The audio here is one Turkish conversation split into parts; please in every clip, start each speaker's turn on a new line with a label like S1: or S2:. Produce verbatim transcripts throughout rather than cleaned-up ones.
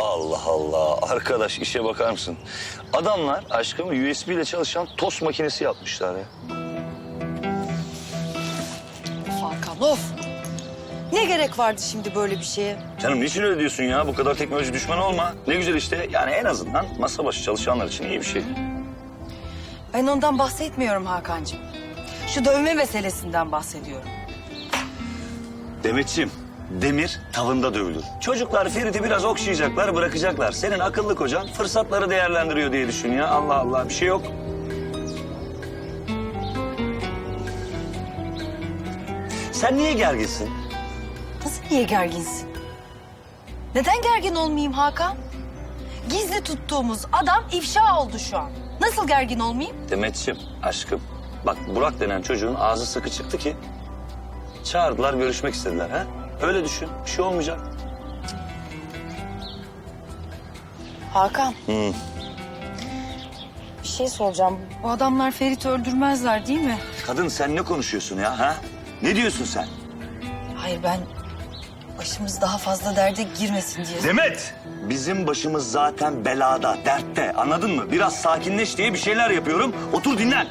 S1: Allah Allah. Arkadaş işe bakar mısın? Adamlar aşkım U S B ile çalışan tost makinesi yapmışlar ya.
S2: Hakan of. Ne gerek vardı şimdi böyle bir şeye?
S1: Canım niçin öyle diyorsun ya? Bu kadar teknoloji düşmanı olma. Ne güzel işte. Yani en azından masa başı çalışanlar için iyi bir şey.
S2: Ben ondan bahsetmiyorum Hakan'cığım. Şu dövme meselesinden bahsediyorum.
S1: Demetciğim, demir tavında dövülür. Çocuklar Ferit'i biraz okşayacaklar, bırakacaklar. Senin akıllı kocan fırsatları değerlendiriyor diye düşün ya. Allah Allah, bir şey yok. Sen niye gerginsin?
S2: Nasıl niye gerginsin? Neden gergin olmayayım Hakan? Gizli tuttuğumuz adam ifşa oldu şu an. Nasıl gergin olmayayım?
S1: Demetciğim, aşkım. Bak Burak denen çocuğun ağzı sıkı çıktı ki... çağırdılar, görüşmek istediler ha? Öyle düşün, bir şey olmayacak.
S2: Hakan.
S1: Hı.
S2: Bir şey soracağım. Bu adamlar Ferit'i öldürmezler değil mi?
S1: Kadın sen ne konuşuyorsun ya ha? Ne diyorsun sen?
S2: Hayır ben başımız daha fazla derde girmesin diye.
S1: Demet! Bizim başımız zaten belada, dertte. Anladın mı? Biraz sakinleş diye bir şeyler yapıyorum. Otur dinlen.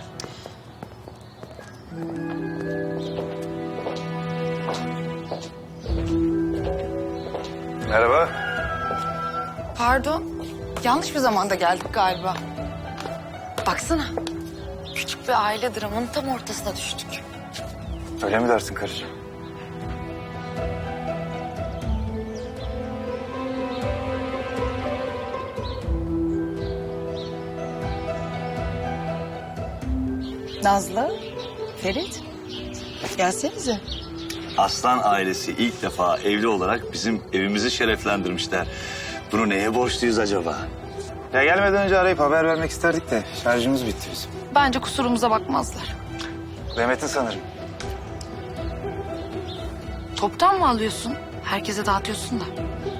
S3: Merhaba.
S4: Pardon, yanlış bir zamanda geldik galiba. Baksana, küçük bir aile dramının tam ortasına düştük.
S3: Öyle mi dersin karıcığım?
S2: Nazlı, Ferit, gelsenize.
S1: Aslan ailesi ilk defa evli olarak bizim evimizi şereflendirmişler. Bunu neye borçluyuz acaba?
S3: Ya gelmeden önce arayıp haber vermek isterdik de şarjımız bitti bizim.
S4: Bence kusurumuza bakmazlar.
S3: Demet'in sanırım.
S4: Toptan mı alıyorsun? Herkese dağıtıyorsun da.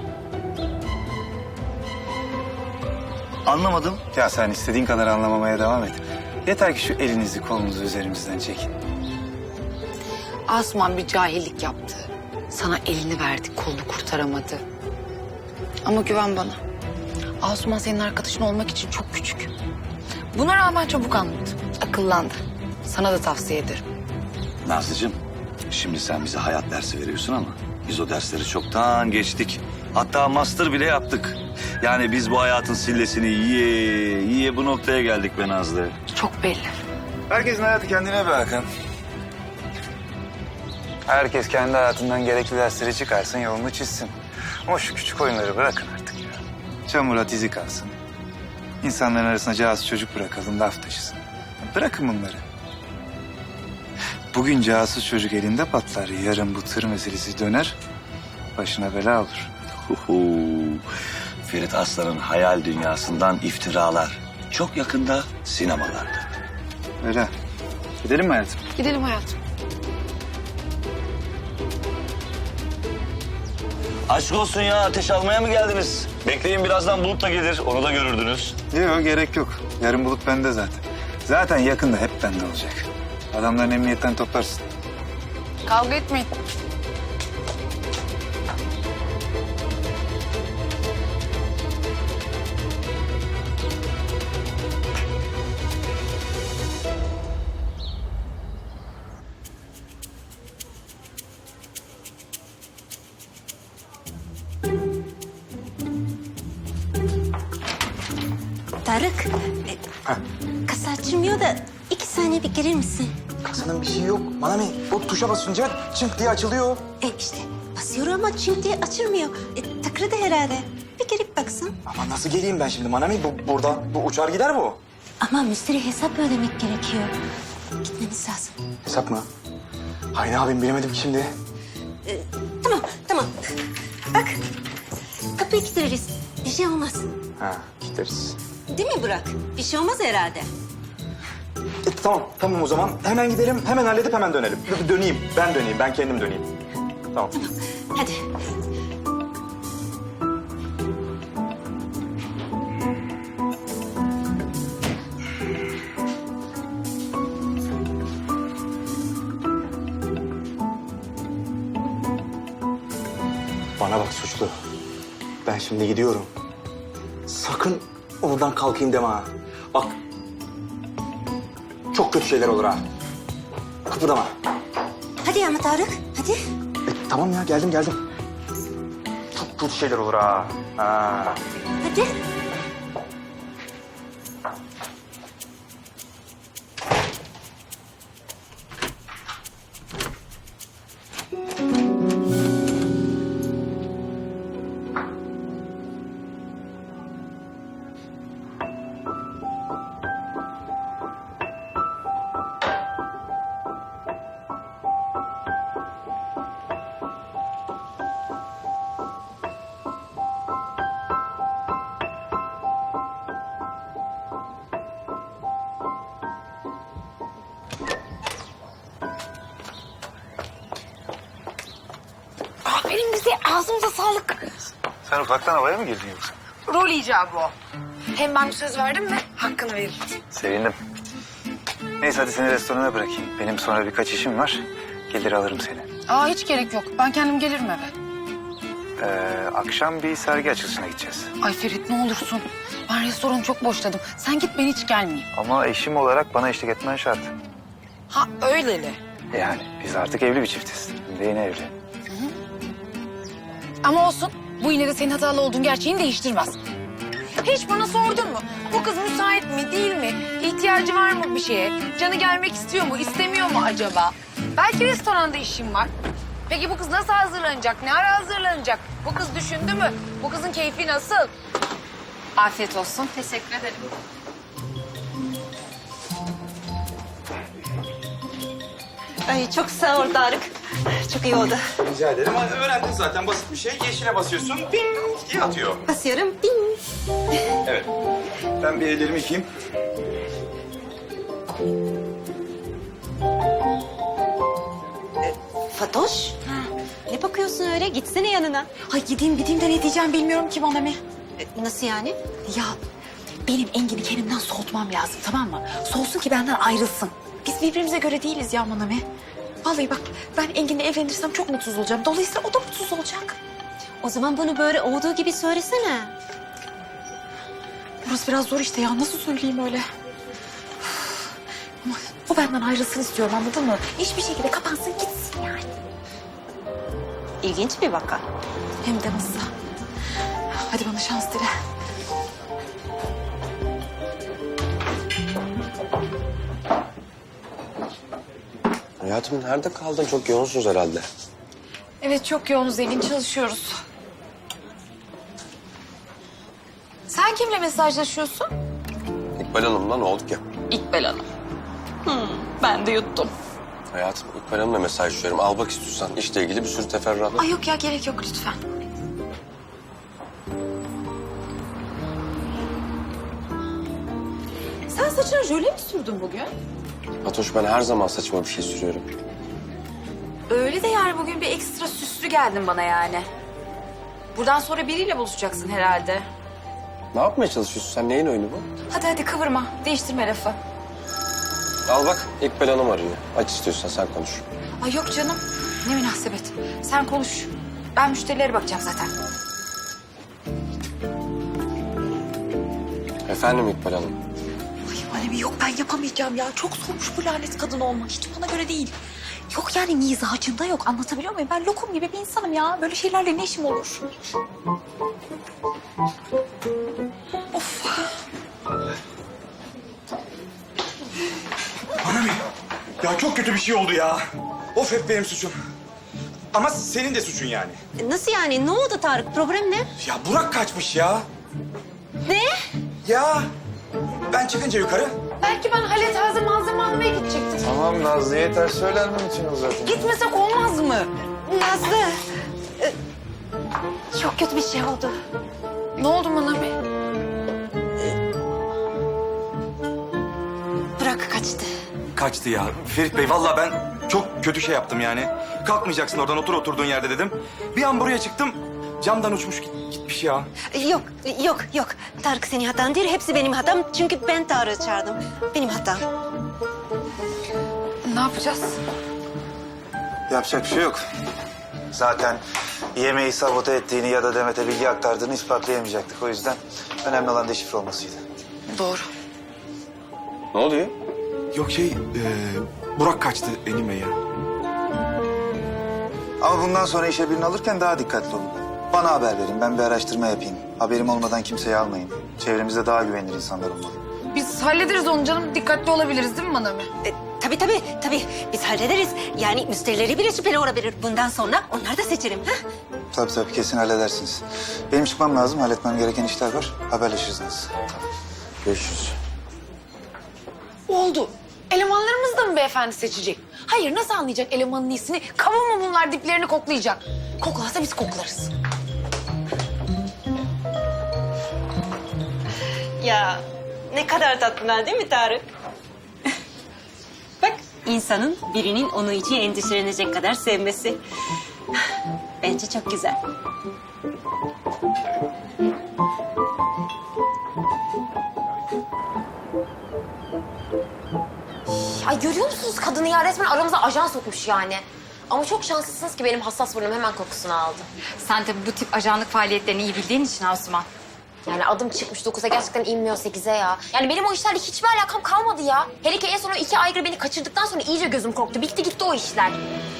S1: Anlamadım.
S3: Ya sen istediğin kadar anlamamaya devam et. Yeter ki şu elinizi kolunuzu üzerimizden çekin.
S4: Asuman bir cahillik yaptı. Sana elini verdi, kolunu kurtaramadı. Ama güven bana. Asuman senin arkadaşın olmak için çok küçük. Buna rağmen çabuk anladı, akıllandı. Sana da tavsiye ederim.
S1: Nazlıcığım, şimdi sen bize hayat dersi veriyorsun ama biz o dersleri çoktan geçtik. Hatta master bile yaptık. Yani biz bu hayatın sillesini yiye yiye bu noktaya geldik be Nazlı.
S4: Çok belli.
S3: Herkesin hayatı kendine be Hakan. Herkes kendi hayatından gerekli dersleri çıkarsın, yolunu çizsin. Ama şu küçük oyunları bırakın artık ya. Çamura dizi kalsın. İnsanların arasına casus çocuk bırakalım, laf taşısın. Bırakın bunları. Bugün casus çocuk elinde patlar, yarın bu tır meselesi döner, başına bela olur.
S1: Huhu. Ferit Aslan'ın hayal dünyasından iftiralar. Çok yakında sinemalarda.
S3: Öyle. Gidelim mi hayatım?
S4: Gidelim hayatım.
S1: Aşk olsun ya, ateş almaya mı geldiniz? Bekleyin, birazdan Bulut da gelir, onu da görürdünüz.
S3: Yok, gerek yok. Yarın Bulut bende zaten. Zaten yakında hep bende olacak. Adamların emniyetten toplarsın.
S4: Kavga etmeyin.
S5: Tarık, e, kasa açılmıyor da iki saniye bir gelir misin?
S6: Kasanın bir şeyi yok. Bana ne? O tuşa basınca çınk diye açılıyor.
S5: E işte basıyorum ama çim diye açılmıyor. E, takırdı herhalde. Bir gelip baksın.
S6: Ama nasıl geleyim ben şimdi Manami? Bu, burada bu uçar gider bu.
S5: Ama müşteri hesap ödemek gerekiyor. Gitmemiz lazım.
S6: Hesap mı? Hay ne yapayım bilemedim ki şimdi.
S5: Tamam, tamam. Bak, kapıyı kilitleriz. Bir şey olmaz.
S6: Ha gideriz.
S5: Değil mi Burak? Bir şey olmaz herhalde.
S6: E, tamam tamam o zaman. Hemen gidelim. Hemen halledip hemen dönelim. Dö- Döneyim. Ben döneyim. Ben kendim döneyim. Tamam.
S5: Hadi.
S6: Bana bak suçlu. Ben şimdi gidiyorum. sakın oradan kalkayım deme ha. Bak, çok kötü şeyler olur ha. Kıpırdama.
S5: Hadi ama Tarık, hadi.
S6: E, tamam ya, geldim geldim. Çok kötü şeyler olur ha. Ha.
S5: Hadi.
S4: Aferin bize, ağzımıza sağlık.
S3: Sen ufaktan havaya mı girdin yoksa?
S4: Rol icabı o. Hem ben bir söz verdim mi hakkını veririm.
S3: Sevindim. Neyse hadi seni restorana bırakayım. Benim sonra birkaç işim var. Gelir alırım seni.
S4: Aa hiç gerek yok. Ben kendim gelirim eve.
S3: Ee, akşam bir sergi açılışına gideceğiz.
S4: Ay Ferit ne olursun. Ben restoranı çok boşladım. Sen git ben hiç gelmeyeyim.
S3: Ama eşim olarak bana eşlik etmen şart.
S4: Ha öyleli.
S3: Yani biz artık evli bir çiftiz. Hem de yeni evli.
S4: Ama olsun. Bu yine de senin hatalı olduğun gerçeğini değiştirmez. Hiç bana sordun mu? Bu kız müsait mi, değil mi? İhtiyacı var mı bir şeye? Canı gelmek istiyor mu, istemiyor mu acaba? Belki restoranda işim var. Peki bu kız nasıl hazırlanacak? Ne ara hazırlanacak? Bu kız düşündü mü? Bu kızın keyfi nasıl? Afiyet olsun. Teşekkür ederim.
S5: Ay çok sağ ol Tarık. Çok iyi oldu.
S6: Rica ederim. Hadi öğrendin zaten, basit bir şey. Yeşile basıyorsun, ping diye atıyor.
S5: Basıyorum. Bing.
S6: Evet. Ben bir ellerimi yıkayayım.
S5: Fatoş. Ne bakıyorsun öyle? Gitsene yanına.
S2: Ay gideyim gideyim de ne diyeceğim bilmiyorum ki bana mi?
S5: E, Nasıl yani?
S2: Ya benim Engin'i kendimden soğutmam lazım, tamam mı? Soğusun ki benden ayrılsın. Biz birbirimize göre değiliz ya Manami. Vallahi bak ben Engin'le evlenirsem çok mutsuz olacağım. Dolayısıyla o da mutsuz olacak.
S5: O zaman bunu böyle olduğu gibi söylesene.
S2: Burası biraz zor işte ya. Nasıl söyleyeyim öyle? Ama o benden ayrılsın istiyorum, anladın mı? Hiçbir şekilde kapansın gitsin yani.
S5: İlginç bir vaka.
S2: Hem de nasıl? Hadi bana şans dile.
S7: Hayatım nerede kaldın? Çok yoğunsunuz herhalde.
S4: Evet çok yoğunuz Elin, çalışıyoruz. Sen kimle mesajlaşıyorsun?
S7: İkbal Hanım'la ne olduk ya?
S4: İkbal Hanım. Hmm, ben de yuttum.
S7: Hayatım İkbal Hanım'la mesajlaşıyorum. Al bak istiyorsan işle ilgili bir sürü teferruat.
S2: Ay yok ya, gerek yok lütfen. Sen saçına jöle mi sürdün bugün?
S7: Fatoş ben her zaman saçma bir şey sürüyorum.
S2: Öyle de yani bugün bir ekstra süslü geldin bana yani. Buradan sonra biriyle buluşacaksın herhalde.
S7: Ne yapmaya çalışıyorsun sen? Neyin oyunu bu?
S2: Hadi hadi kıvırma, değiştirme lafı.
S7: Al bak İkbal Hanım arıyor. Aç istiyorsan sen konuş.
S2: Ay yok canım, ne münasebet. Sen konuş. Ben müşterilere bakacağım zaten.
S7: Efendim İkbal Hanım.
S2: Ay Manemi yok, ben yapamayacağım ya. Çok zormuş bu lanet kadın olmak. Hiç bana göre değil. Yok yani mizacında yok. Anlatabiliyor muyum? Ben lokum gibi bir insanım ya. Böyle şeylerle ne işim olur? Of.
S6: Manami, ya çok kötü bir şey oldu ya. Of, hep benim suçum. Ama senin de suçun yani.
S5: E, Nasıl yani? Ne oldu Tarık? Problem ne?
S6: Ya Burak kaçmış ya.
S5: Ne?
S6: Ya ben çıkınca yukarı.
S4: Belki ben Halet taze malzeme almaya gidecektim.
S3: Tamam Nazlı, yeter söylenmen için zaten.
S4: Gitmesek olmaz mı?
S5: Nazlı. e, Çok kötü bir şey oldu.
S4: Ne oldu Manami?
S5: Burak kaçtı.
S6: Kaçtı ya. Ferit Bey, vallahi ben çok kötü şey yaptım yani. Kalkmayacaksın oradan, otur oturduğun yerde dedim. Bir an buraya çıktım, camdan uçmuş git- gitmiş ya.
S5: E, Yok, yok, yok. Tarık senin hatan değil. Hepsi benim hatam. Çünkü ben Tarık'ı çağırdım. Benim hatam.
S4: Ne yapacağız?
S3: Yapacak bir şey yok. Zaten yemeği sabote ettiğini ya da Demet'e bilgi aktardığını ispatlayamayacaktık. O yüzden önemli olan deşifre olmasıydı.
S4: Doğru.
S7: Ne oluyor?
S6: Yok şey, e, Burak kaçtı Engin Bey ya.
S3: Ama bundan sonra işe birini alırken daha dikkatli olun. Bana haber verin, ben bir araştırma yapayım. Haberim olmadan kimseyi almayın. Çevremizde daha güvenilir insanlar olmalı.
S4: Biz hallederiz onu canım. Dikkatli olabiliriz değil mi Manami?
S5: E, tabii tabii tabii biz hallederiz. Yani müşterileri bile şüpheli olabilir. Bundan sonra onları da seçerim. Ha?
S3: Tabii tabii kesin halledersiniz. Benim çıkmam lazım, halletmem gereken işler var. Haberleşiriz nasıl.
S7: Görüşürüz.
S4: Oldu. Elemanlarımız da mı beyefendi seçecek? Hayır, nasıl anlayacak elemanın iyisini? Kamu mu bunlar diplerini koklayacak? Koklarsa biz koklarız.
S5: Ya ne kadar tatlılar değil mi Tarık? Bak insanın birinin onun için endişelenecek kadar sevmesi. Bence çok güzel.
S8: Ay görüyor musunuz kadını ya? Resmen aramıza ajan sokmuş yani. Ama çok şanslısınız ki benim hassas burnum hemen kokusunu aldı.
S2: Sen tabii bu tip ajanlık faaliyetlerini iyi bildiğin için Asuman.
S8: Yani adım çıkmış dokuza gerçekten inmiyor sekize ya. Yani benim o işlerle hiçbir alakam kalmadı ya. Hele ki en son o iki aygır beni kaçırdıktan sonra iyice gözüm korktu. Bitti gitti o işler.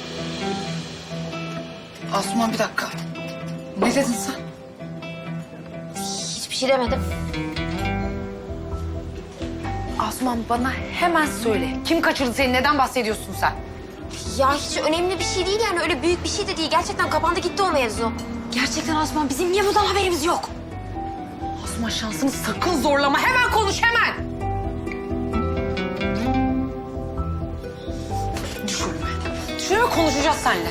S4: Asuman bir dakika. Ne dedin sen?
S8: Hiçbir şey demedim.
S4: Asuman bana hemen söyle. Kim kaçırdı seni? Neden bahsediyorsun sen?
S8: Ya hiç önemli bir şey değil yani. Öyle büyük bir şey de değil. Gerçekten kapandı gitti o mevzu.
S2: Gerçekten Asuman bizim niye bundan haberimiz yok?
S4: Asuman şansını sakın zorlama. Hemen konuş hemen. Düş önüme. Düş önüme, konuşacağız seninle.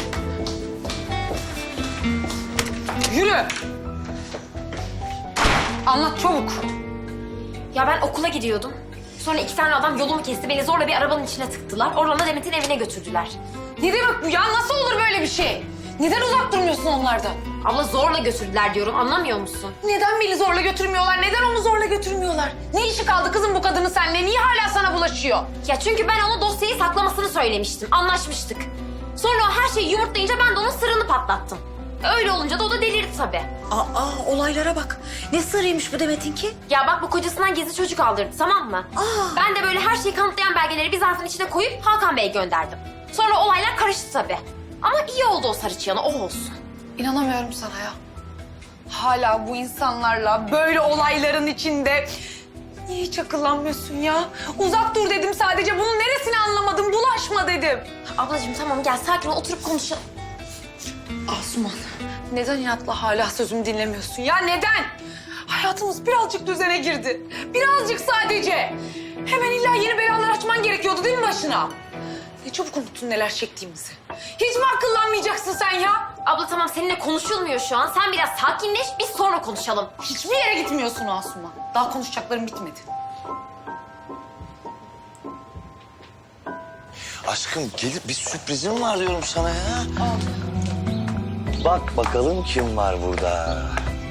S4: Yürü. Anlat çabuk.
S8: Ya ben okula gidiyordum. Sonra iki tane adam yolumu kesti. Beni zorla bir arabanın içine tıktılar. Oradan da Demet'in evine götürdüler.
S4: Ne demek bu ya? Nasıl olur böyle bir şey? Neden uzak durmuyorsun onlardan?
S8: Abla zorla götürdüler diyorum. Anlamıyor musun?
S4: Neden beni zorla götürmüyorlar? Neden onu zorla götürmüyorlar? Ne işi kaldı kızım bu kadının seninle? Niye hala sana bulaşıyor?
S8: Ya çünkü ben ona dosyayı saklamasını söylemiştim. Anlaşmıştık. Sonra o her şeyi yumurtlayınca ben de onun sırrını patlattım. Öyle olunca da o da delirdi tabii.
S2: Aa olaylara bak. Ne sırrıymış bu Demet'inki?
S8: Ya bak bu kocasından gizli çocuk aldırdı tamam mı? Ben de böyle her şeyi kanıtlayan belgeleri bir zarfın içine koyup Hakan Bey'e gönderdim. Sonra olaylar karıştı tabii. Ama iyi oldu o sarı çıyanı, o olsun.
S4: İnanamıyorum sana ya. Hala bu insanlarla böyle olayların içinde... Niye hiç akıllanmıyorsun ya? Uzak dur dedim sadece. Bunun neresini anlamadım? Bulaşma dedim.
S8: Ablacığım tamam gel sakin ol oturup konuşalım.
S4: Asuman, neden inatla hala sözümü dinlemiyorsun ya? Neden? Hayatımız birazcık düzene girdi. Birazcık sadece. Hemen illa yeni belalar açman gerekiyordu değil mi başına? Ne çabuk unuttun neler çektiğimizi. Hiç mi akıllanmayacaksın sen ya?
S8: Abla tamam seninle konuşulmuyor şu an. Sen biraz sakinleş biz sonra konuşalım.
S4: Hiçbir yere gitmiyorsun Asuman. Daha konuşacaklarım bitmedi.
S1: Aşkım gelip bir sürprizim var diyorum sana ya. Bak bakalım kim var burada.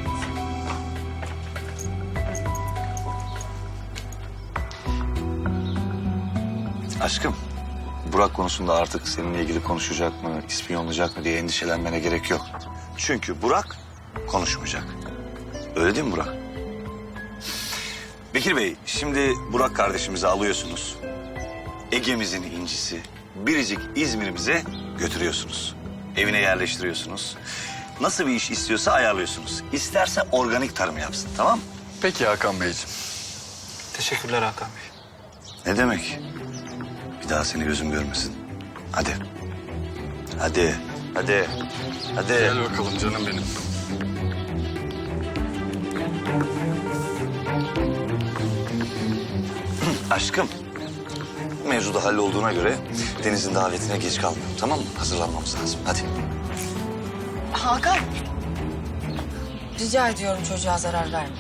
S1: Aşkım, Burak konusunda artık seninle ilgili konuşacak mı, ispiyonlayacak mı diye endişelenmene gerek yok. Çünkü Burak konuşmayacak. Öyle değil mi Burak? Bekir Bey, şimdi Burak kardeşimizi alıyorsunuz. Ege'mizin incisi, biricik İzmir'imize götürüyorsunuz. Evine yerleştiriyorsunuz. Nasıl bir iş istiyorsa ayarlıyorsunuz. İsterse organik tarım yapsın, tamam mı?
S9: Peki Hakan Beyciğim.
S3: Teşekkürler Hakan Bey.
S1: Ne demek? Bir daha seni gözüm görmesin. Hadi. Hadi. Hadi. Hadi.
S9: Gel bakalım canım benim.
S1: Aşkım. Mevzuda hallolduğuna göre Deniz'in davetine geç kalmıyorum, tamam mı? Hazırlanmamız lazım. Hadi.
S4: Hakan. Rica ediyorum çocuğa zarar verme.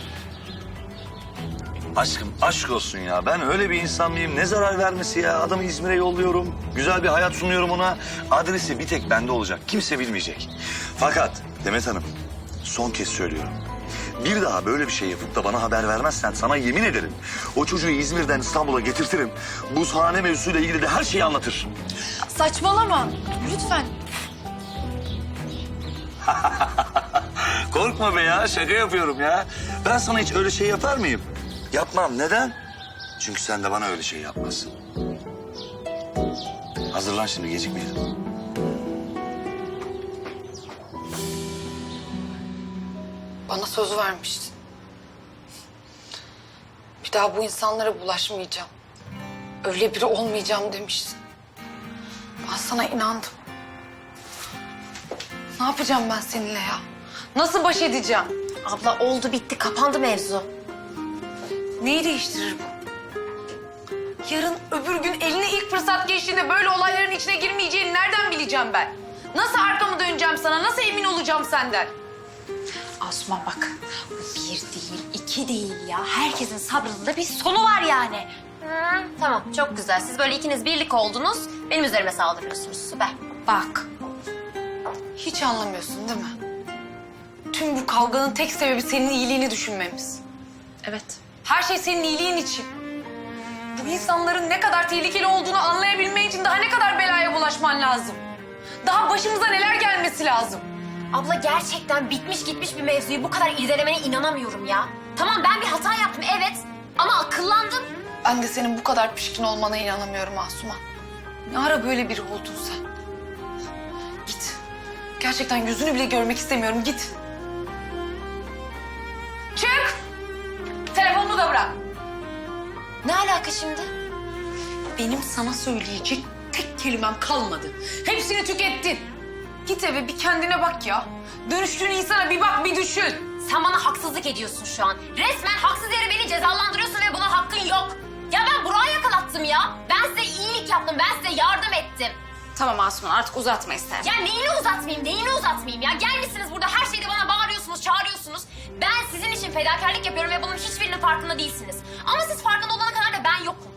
S1: Aşkım aşk olsun ya. Ben öyle bir insan mıyım? Ne zarar vermesi ya? Adamı İzmir'e yolluyorum. Güzel bir hayat sunuyorum ona. Adresi bir tek bende olacak. Kimse bilmeyecek. Fakat Demet Hanım son kez söylüyorum. Bir daha böyle bir şey yapıp da bana haber vermezsen sana yemin ederim o çocuğu İzmir'den İstanbul'a getirtirim. Buzhane mevzusuyla ilgili de her şeyi anlatır.
S4: Saçmalama. Lütfen.
S1: Korkma be ya, şaka yapıyorum ya. Ben sana hiç öyle şey yapar mıyım? Yapmam. Neden? Çünkü sen de bana öyle şey yapmazsın. Hazırlan şimdi, gecikmeyelim.
S4: Bana söz vermiştin. Bir daha bu insanlara bulaşmayacağım. Öyle biri olmayacağım demiştin. Ben sana inandım. Ne yapacağım ben seninle ya? Nasıl baş edeceğim?
S8: Abla oldu bitti kapandı mevzu.
S4: Neyi değiştirir bu? Yarın öbür gün eline ilk fırsat geçtiğinde böyle olayların içine girmeyeceğini nereden bileceğim ben? Nasıl arkamı döneceğim sana? Nasıl emin olacağım senden?
S2: Asuman bak, bir değil, iki değil ya. Herkesin sabrının da bir sonu var yani.
S8: Hı, tamam çok güzel. Siz böyle ikiniz birlik oldunuz. Benim üzerime saldırıyorsunuz. Süper.
S4: Bak. Hiç anlamıyorsun değil mi? Tüm bu kavganın tek sebebi senin iyiliğini düşünmemiz.
S2: Evet.
S4: Her şey senin iyiliğin için. Bu insanların ne kadar tehlikeli olduğunu anlayabilmen için daha ne kadar belaya bulaşman lazım. Daha başımıza neler gelmesi lazım.
S8: Abla gerçekten bitmiş gitmiş bir mevzuyu bu kadar irdelemene inanamıyorum ya. Tamam ben bir hata yaptım evet ama akıllandım.
S4: Ben de senin bu kadar pişkin olmana inanamıyorum Asuman. Ne ara böyle biri oldun sen? Git. Gerçekten yüzünü bile görmek istemiyorum. Git. Çık. Telefonunu da bırak.
S8: Ne alaka şimdi?
S4: Benim sana söyleyecek tek kelimem kalmadı. Hepsini tükettin. Git eve bir kendine bak ya. Dönüştüğün insana bir bak bir düşün.
S8: Sen bana haksızlık ediyorsun şu an. Resmen haksız yere beni cezalandırıyorsun ve buna hakkın yok. Ya ben Burak'ı yakalattım ya. Ben size iyilik yaptım, ben size yardım ettim.
S2: Tamam Asuman, artık uzatma istersen.
S8: Ya neyini uzatmayayım, neyini uzatmayayım ya? Gelmişsiniz burada her şeyde bana bağırıyorsunuz, çağırıyorsunuz. Ben sizin için fedakarlık yapıyorum ve bunun hiçbirinin farkında değilsiniz. Ama siz farkında olana kadar da ben yokum.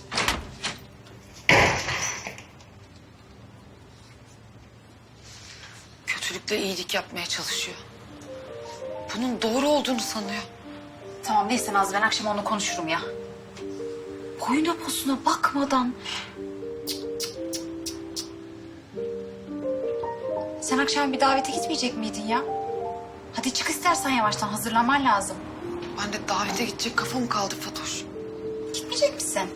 S4: Kötülükle iyilik yapmaya çalışıyor. Bunun doğru olduğunu sanıyor.
S2: Tamam neyse Naz, ben akşam onunla konuşurum ya. Boyuna posuna bakmadan. Sen akşam bir davete gitmeyecek miydin ya? Hadi çık istersen, yavaştan hazırlanman lazım.
S4: Ben de davete gidecek kafam kaldı Fatoş.
S2: Gitmeyecek misin?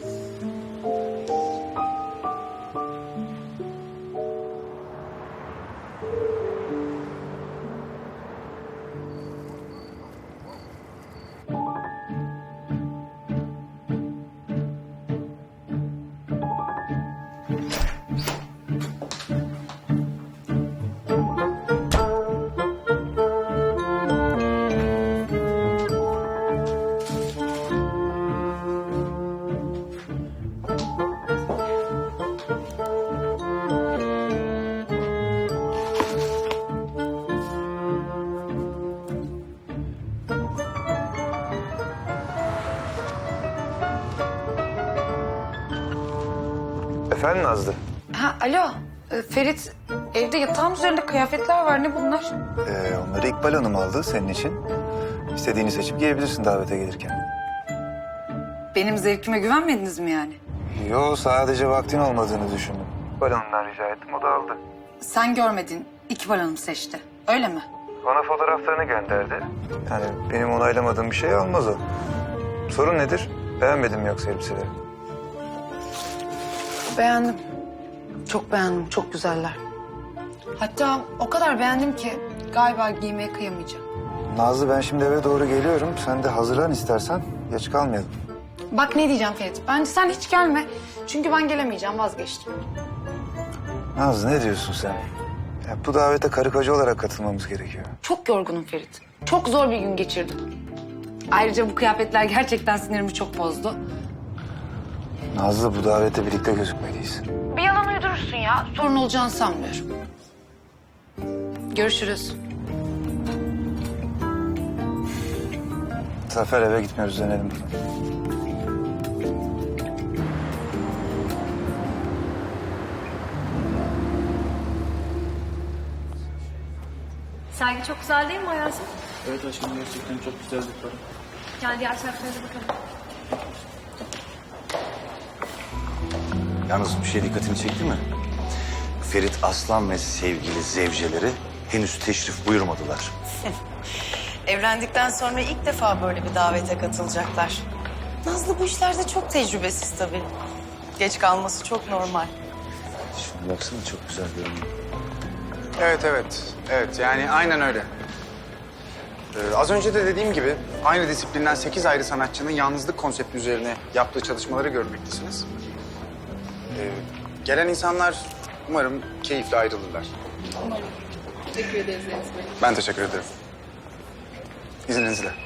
S3: Efendim Nazlı?
S4: Ha alo. Ee, Ferit, evde yatağın üzerinde kıyafetler var. Ne bunlar?
S3: Ee, onları İkbal Hanım aldı senin için. İstediğini seçip giyebilirsin davete gelirken.
S4: Benim zevkime güvenmediniz mi yani?
S3: Yo, sadece vaktin olmadığını düşündüm. İkbal Hanım'dan rica ettim, o da aldı.
S4: Sen görmedin, İkbal Hanım seçti. Öyle mi?
S3: Bana fotoğraflarını gönderdi. Yani benim onaylamadığım bir şey olmaz o. Sorun nedir? Beğenmedin mi yoksa elbiseleri?
S4: Beğendim. Çok beğendim, çok güzeller. Hatta o kadar beğendim ki galiba giymeye kıyamayacağım.
S3: Nazlı, ben şimdi eve doğru geliyorum. Sen de hazırlan istersen. Geç kalmayalım.
S4: Bak ne diyeceğim Ferit, bence sen hiç gelme. Çünkü ben gelemeyeceğim, vazgeçtim.
S3: Nazlı, ne diyorsun sen? Ya, bu davete karı koca olarak katılmamız gerekiyor.
S4: Çok yorgunum Ferit. Çok zor bir gün geçirdim. Ayrıca bu kıyafetler gerçekten sinirimi çok bozdu.
S3: Nazlı, bu davete birlikte gözükmeliyiz.
S4: Bir yalan uydurursun ya. Sorun olacağını sanmıyorum. Görüşürüz.
S3: Zafer, eve gitmiyoruz, dönelim.
S10: Sergi çok güzel değil mi hayatım?
S11: Evet aşkım, gerçekten çok güzel bir para.
S10: Gel diğer taraflara da bakalım.
S1: Yalnız bir şey dikkatini çekti mi? Ferit Aslan ve sevgili zevceleri henüz teşrif buyurmadılar.
S4: Evlendikten sonra ilk defa böyle bir davete katılacaklar. Nazlı bu işlerde çok tecrübesiz tabii. Geç kalması çok normal.
S1: Şuna baksana, çok güzel görünüyor.
S3: Evet, evet. Evet, yani aynen öyle. Ee, az önce de dediğim gibi aynı disiplinden sekiz ayrı sanatçının yalnızlık konsepti üzerine yaptığı çalışmaları görmektesiniz. Ee, gelen insanlar umarım keyifle ayrılırlar.
S10: Umarım. Teşekkür ederiz Deniz Bey.
S3: Ben teşekkür ederim. İzninizle.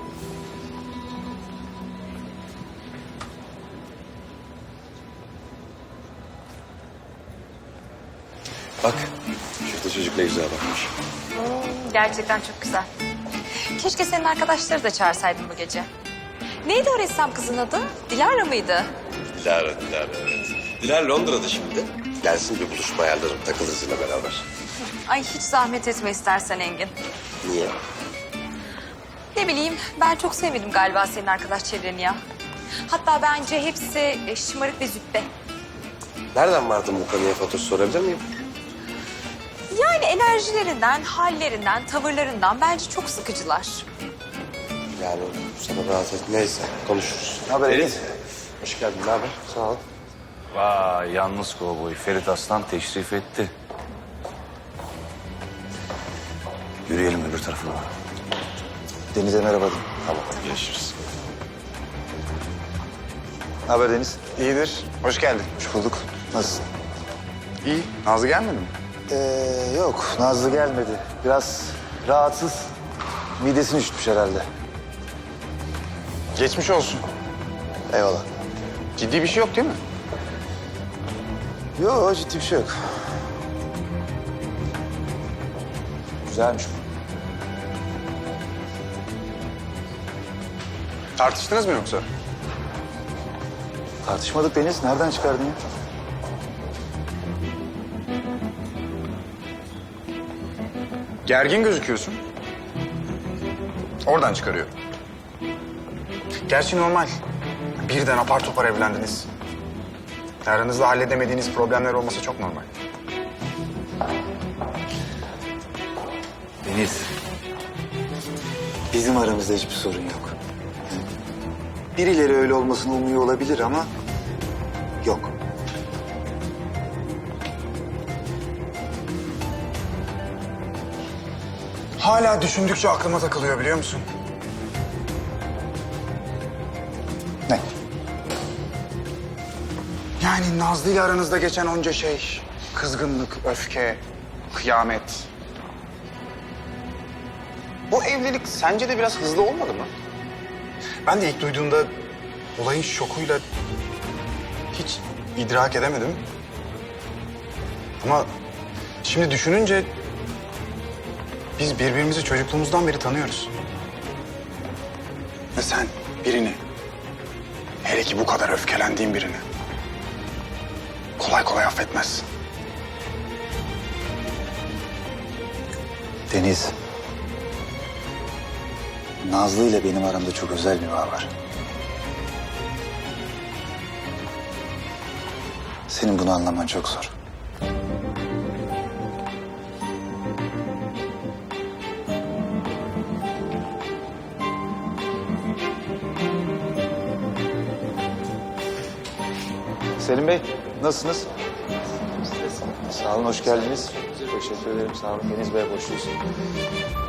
S7: Bak, şurada çocuk ne güzel bakmış.
S2: Gerçekten çok güzel. Keşke senin arkadaşları da çağırsaydın bu gece. Neydi o ressam kızın adı? Dilara mıydı?
S7: Dilara, Dilara evet. Dilara Londra'da şimdi. Gelsin bir buluşma ayarlarım, takılırız yine beraber.
S2: Ay hiç zahmet etme istersen Engin.
S7: Niye?
S2: Ne bileyim, ben çok sevmedim galiba senin arkadaş çevreni ya. Hatta bence hepsi e, şımarık ve züppe.
S7: Nereden vardın bu konuya Fatoş, sorabilir miyim?
S2: Yani enerjilerinden, hallerinden, tavırlarından bence çok sıkıcılar.
S7: Yani sana rahat et. Neyse, konuşuruz.
S1: Ne haber
S7: Ferit? Hoş geldin, ne haber? Sağ ol.
S1: Vay, yalnız kovboy Ferit Aslan teşrif etti. Yürüyelim öbür tarafa. Deniz'e merhaba dedim.
S7: Tamam, görüşürüz.
S1: Ne haber Deniz?
S3: İyidir. Hoş geldin.
S1: Hoş bulduk. Nasılsın?
S3: İyi. Nazlı gelmedi mi?
S1: Ee, yok, Nazlı gelmedi. Biraz rahatsız. Midesini üşütmüş herhalde.
S3: Geçmiş olsun.
S1: Eyvallah.
S3: Ciddi bir şey yok değil mi?
S1: Yok, ciddi bir şey yok. Güzelmiş bu.
S3: Tartıştınız mı yoksa?
S1: Tartışmadık Deniz. Nereden çıkardın ya?
S3: Gergin gözüküyorsun. Oradan çıkarıyorum. Gerçi normal. Birden apar topar evlendiniz. Aranızda halledemediğiniz problemler olması çok normal.
S1: Deniz, bizim aramızda hiçbir sorun yok. Birileri öyle olmasını umuyor olabilir ama yok.
S3: Hala düşündükçe aklıma takılıyor biliyor musun?
S1: Ne?
S3: Yani Nazlı ile aranızda geçen onca şey. Kızgınlık, öfke, kıyamet. Bu evlilik sence de biraz hızlı olmadı mı? Ben de ilk duyduğumda olayın şokuyla hiç idrak edemedim. Ama şimdi düşününce biz birbirimizi çocukluğumuzdan beri tanıyoruz. Ve sen birini, hele ki bu kadar öfkelendiğin birini kolay kolay affetmezsin.
S1: Deniz, Nazlı ile benim aramda çok özel bir bağ var. Senin bunu anlaman çok zor. Selim Bey, nasılsınız? Sağ olun, hoş geldiniz. Teşekkür ederim, sağ olun. Deniz Bey, hoş geldiniz.